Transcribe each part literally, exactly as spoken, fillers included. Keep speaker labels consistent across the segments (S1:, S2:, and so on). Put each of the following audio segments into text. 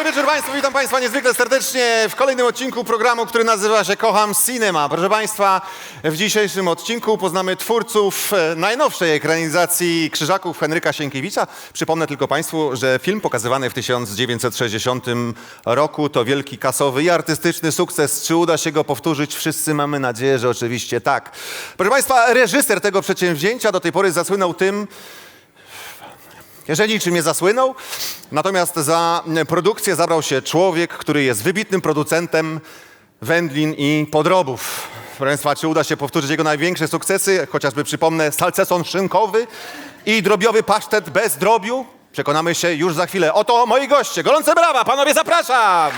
S1: wieczór Państwu, witam Państwa niezwykle serdecznie w kolejnym odcinku programu, który nazywa się Kocham Cinema. Proszę Państwa, w dzisiejszym odcinku poznamy twórców najnowszej ekranizacji Krzyżaków Henryka Sienkiewicza. Przypomnę tylko Państwu, że film pokazywany w tysiąc dziewięćset sześćdziesiątym roku to wielki kasowy i artystyczny sukces. Czy uda się go powtórzyć? Wszyscy mamy nadzieję, że oczywiście tak. Proszę Państwa, reżyser tego przedsięwzięcia do tej pory zasłynął tym, że niczym nie zasłynął, natomiast za produkcję zabrał się człowiek, który jest wybitnym producentem wędlin i podrobów. Proszę Państwa, czy uda się powtórzyć jego największe sukcesy? Chociażby przypomnę salceson szynkowy i drobiowy pasztet bez drobiu. Przekonamy się już za chwilę. Oto moi goście. Gorące brawa, panowie, zapraszam!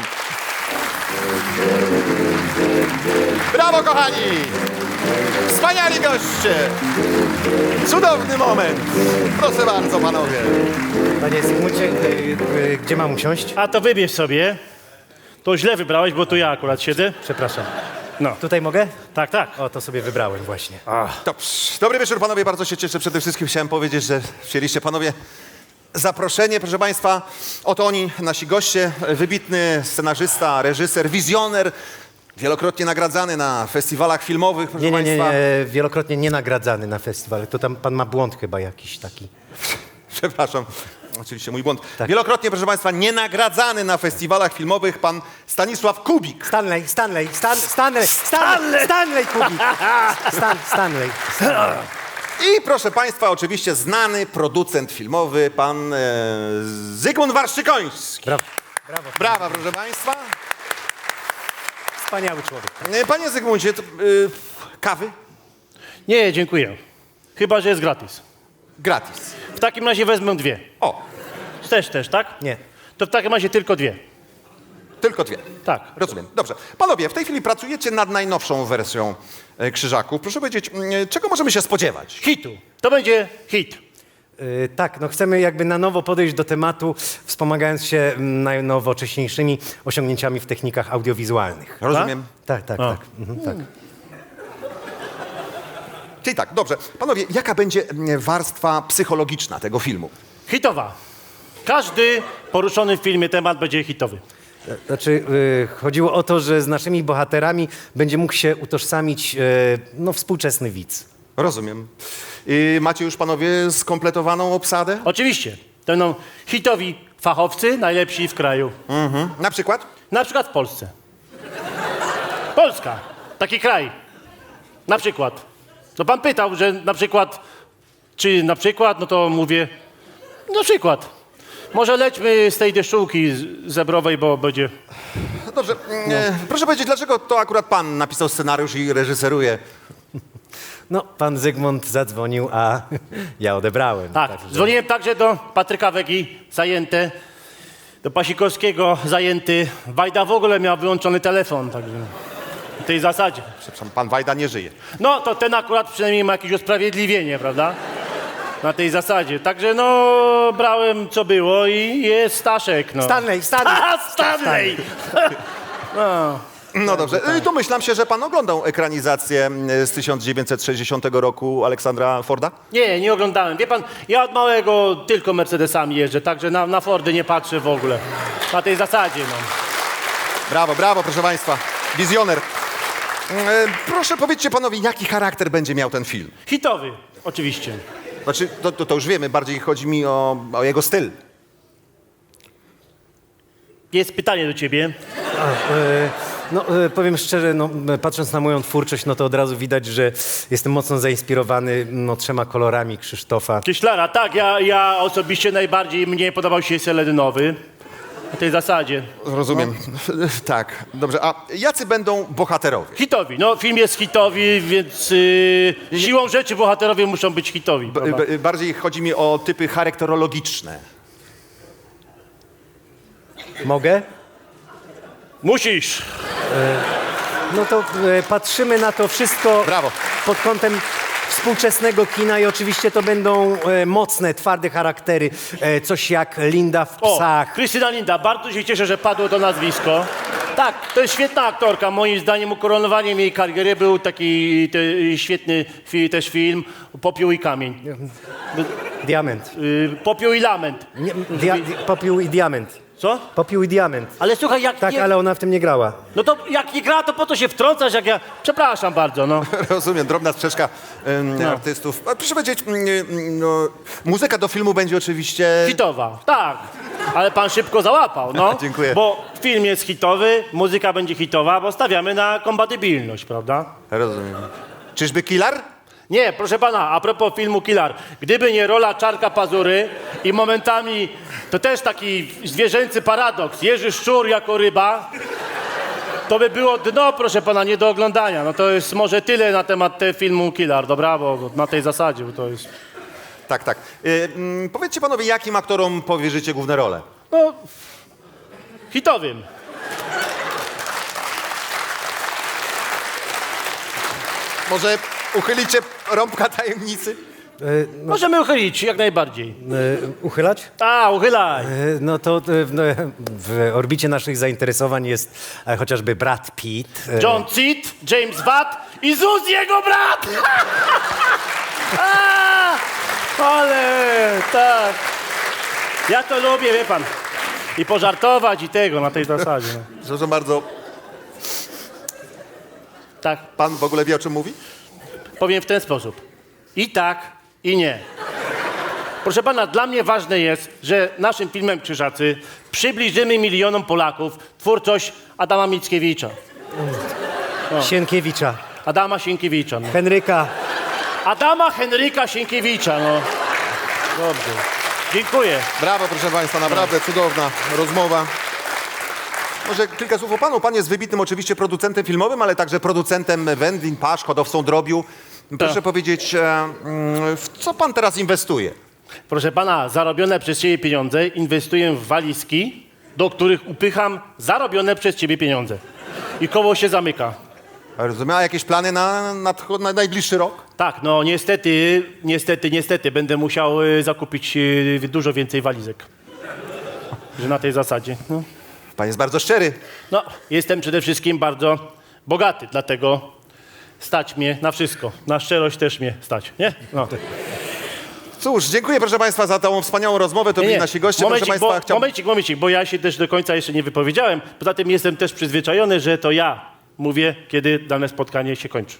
S1: Brawo, kochani! Wspaniali goście! Cudowny moment! Proszę bardzo, panowie.
S2: Panie Zygmuncie, y, y, gdzie mam usiąść?
S3: A to wybierz sobie. To źle wybrałeś, bo tu ja akurat siedzę.
S2: Przepraszam.
S3: No,
S2: Tutaj mogę?
S3: tak, tak.
S2: O, to sobie wybrałem właśnie.
S1: Dobrze. Dobry wieczór, panowie. Bardzo się cieszę. Przede wszystkim chciałem powiedzieć, że przyjęliście, panowie, zaproszenie. Proszę państwa, oto oni, nasi goście. Wybitny scenarzysta, reżyser, wizjoner. Wielokrotnie nagradzany na festiwalach filmowych, proszę
S2: Nie, nie, nie,
S1: państwa.
S2: nie, wielokrotnie nie nagradzany na festiwalu. To tam pan ma błąd chyba jakiś taki.
S1: Przepraszam, oczywiście mój błąd.
S2: Tak.
S1: Wielokrotnie, proszę państwa, nienagradzany na festiwalach filmowych pan Stanisław Kubik.
S2: Stanley, Stanley, Stan, Stanley, Stanley, Stanley Kubik. Stan, Stanley.
S1: I proszę państwa, oczywiście znany producent filmowy, pan e, Zygmunt Warszykoński.
S2: Brawo, brawo.
S1: Brawa, proszę państwa.
S2: Wspaniały człowiek.
S1: E, Panie Zygmuncie, to, e, kawy?
S3: Nie, dziękuję. Chyba, że jest gratis.
S1: Gratis.
S3: W takim razie wezmę dwie.
S1: O,
S3: Też, też, tak?
S2: Nie.
S3: To w takim razie tylko dwie.
S1: tylko dwie.
S3: Tak.
S1: Rozumiem. Dobrze. Panowie, w tej chwili pracujecie nad najnowszą wersją e, Krzyżaków. Proszę powiedzieć, m, czego możemy się spodziewać?
S3: Hitu. To będzie hit.
S2: Y, tak, no chcemy jakby na nowo podejść do tematu, wspomagając się mm, najnowocześniejszymi osiągnięciami w technikach audiowizualnych.
S1: Rozumiem.
S2: Tak, tak,
S3: A.
S2: tak. Mhm, tak.
S1: Czyli tak, dobrze. Panowie, jaka będzie m, warstwa psychologiczna tego filmu?
S3: Hitowa. Każdy poruszony w filmie temat będzie hitowy.
S2: Znaczy, y, chodziło o to, że z naszymi bohaterami będzie mógł się utożsamić y, no, współczesny widz.
S1: Rozumiem. I macie już, panowie, skompletowaną obsadę?
S3: Oczywiście. To będą hitowi fachowcy, najlepsi w kraju.
S1: Mhm. Na przykład?
S3: Na przykład w Polsce. Polska. Taki kraj. Na przykład. No pan pytał, że na przykład, czy na przykład, no to mówię, na przykład. Może lećmy z tej deszczułki z- zebrowej, bo będzie...
S1: Dobrze. E, proszę powiedzieć, dlaczego to akurat pan napisał scenariusz i reżyseruje?
S2: No, pan Zygmunt zadzwonił, a ja odebrałem.
S3: Tak,
S2: Także-
S3: dzwoniłem także do Patryka Wegi, zajęte, do Pasikowskiego, zajęty. Wajda w ogóle miał wyłączony telefon, także w tej zasadzie.
S1: Przepraszam, pan Wajda nie żyje.
S3: No, to ten akurat przynajmniej ma jakieś usprawiedliwienie, prawda? Na tej zasadzie. Także no, brałem co było i jest Staszek, no.
S2: Stanley, Stanley!
S3: A, Stanley! No.
S1: No dobrze. I domyślam się, że pan oglądał ekranizację m, z tysiąc dziewięćset sześćdziesiątego roku Aleksandra Forda?
S3: Nie, nie oglądałem. Wie pan, ja od małego tylko Mercedesami jeżdżę, także na, na Fordy nie patrzę w ogóle. Na tej zasadzie, no.
S1: Brawo, brawo, proszę państwa. Wizjoner. E, proszę powiedzcie panowie, jaki charakter będzie miał ten film?
S3: Hitowy, oczywiście.
S1: Znaczy, to, to, to już wiemy, bardziej chodzi mi o, o jego styl.
S3: Jest pytanie do ciebie.
S2: A, y, no, y, powiem szczerze, no, y, patrząc na moją twórczość, no to od razu widać, że jestem mocno zainspirowany no, trzema kolorami Krzysztofa.
S3: Kieślara, tak, ja, ja osobiście najbardziej mnie podobał się seledynowy. Na tej zasadzie.
S1: Rozumiem. Tak, dobrze. A jacy będą bohaterowie?
S3: Hitowi, no film jest hitowy, więc yy, siłą rzeczy bohaterowie muszą być hitowi.
S1: B-
S3: prawda?
S1: b- bardziej chodzi mi o typy charakterologiczne.
S2: Mogę?
S3: Musisz.
S2: No to y, patrzymy na to wszystko
S1: Brawo.
S2: pod kątem współczesnego kina i oczywiście to będą e, mocne, twarde charaktery. E, coś jak Linda w
S3: O,
S2: Psach.
S3: Krystyna Linda, bardzo się cieszę, że padło to nazwisko. Tak, to jest świetna aktorka. Moim zdaniem ukoronowaniem jej kariery był taki te, świetny fi, też film Popiół i kamień.
S2: Diament.
S3: Y, Popiół i lament.
S2: Nie, dia, di, popiół i diament.
S3: Co?
S2: Popiół i diament.
S3: Ale słuchaj, jak
S2: Tak,
S3: nie...
S2: ale ona w tym nie grała.
S3: No to jak nie gra, to po to się wtrącasz, jak ja... Przepraszam bardzo, no.
S1: Rozumiem, drobna sprzeczka em,
S3: No.
S1: artystów. A proszę powiedzieć, mm, mm, no, muzyka do filmu będzie oczywiście...
S3: Hitowa, tak. Ale pan szybko załapał, no.
S1: Dziękuję.
S3: Bo film jest hitowy, muzyka będzie hitowa, bo stawiamy na kompatybilność, prawda?
S1: Rozumiem. Czyżby Killer?
S3: Nie, proszę pana, a propos filmu Killer. Gdyby nie rola Czarka Pazury i momentami, to też taki zwierzęcy paradoks, Jerzy Szczur jako ryba, to by było dno, proszę pana, nie do oglądania. No to jest może tyle na temat te filmu Killer, dobra? Bo na tej zasadzie, bo to jest...
S1: Tak, tak. Y, mm, powiedzcie panowie, jakim aktorom powierzycie główne role?
S3: No, hitowym.
S1: Może uchylicie rąbka tajemnicy?
S2: E, no,
S3: Możemy uchylić, jak najbardziej.
S2: e, uchylać?
S3: A, uchylaj.
S2: E, no to e, w, no, w orbicie naszych zainteresowań jest e, chociażby Brad Pitt. e,
S3: John Cit, James Watt i Zuz jego brat! A, ale tak. Ja to lubię, wie pan. I pożartować i tego na tej zasadzie. No.
S1: Przepraszam bardzo,
S3: Tak,
S1: pan w ogóle wie, o czym mówi?
S3: powiem w ten sposób. I tak, i nie. Proszę pana, dla mnie ważne jest, że naszym filmem Krzyżacy przybliżymy milionom Polaków twórczość Adama Mickiewicza.
S2: Sienkiewicza,
S3: Adama Sienkiewicza. No.
S2: Henryka.
S3: Adama Henryka Sienkiewicza, no. Dobrze. Dziękuję.
S1: Brawo, proszę państwa, naprawdę cudowna rozmowa. Może kilka słów o panu. Pan jest wybitnym oczywiście producentem filmowym, ale także producentem wędlin, pasz, hodowcą drobiu. Proszę
S3: Tak.
S1: powiedzieć, e, mm, w co pan teraz inwestuje?
S3: Proszę pana, zarobione przez ciebie pieniądze inwestuję w walizki, do których upycham zarobione przez ciebie pieniądze. I koło się zamyka.
S1: Rozumiem, a jakieś plany na, na, na najbliższy rok?
S3: Tak, no niestety, niestety, niestety będę musiał y, zakupić y, dużo więcej walizek. Że na tej zasadzie. No.
S1: Pan jest bardzo szczery.
S3: no, jestem przede wszystkim bardzo bogaty, dlatego stać mnie na wszystko. Na szczerość też mnie stać, nie? No.
S1: Cóż, dziękuję proszę państwa za tą wspaniałą rozmowę. To byli nasi goście.
S3: Momencik,
S1: proszę państwa,
S3: bo,
S1: chciałbym...
S3: momencik, momencik, bo ja się też do końca jeszcze nie wypowiedziałem. Poza tym jestem też przyzwyczajony, że to ja mówię, kiedy dane spotkanie się kończy.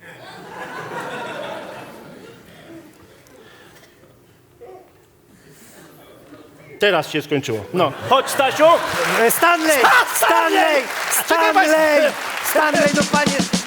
S3: Teraz się skończyło. No, chodź Stasiu!
S2: E, Stanley! Stanley!
S3: Czekaj,
S2: Stanley! Stanley, no panie!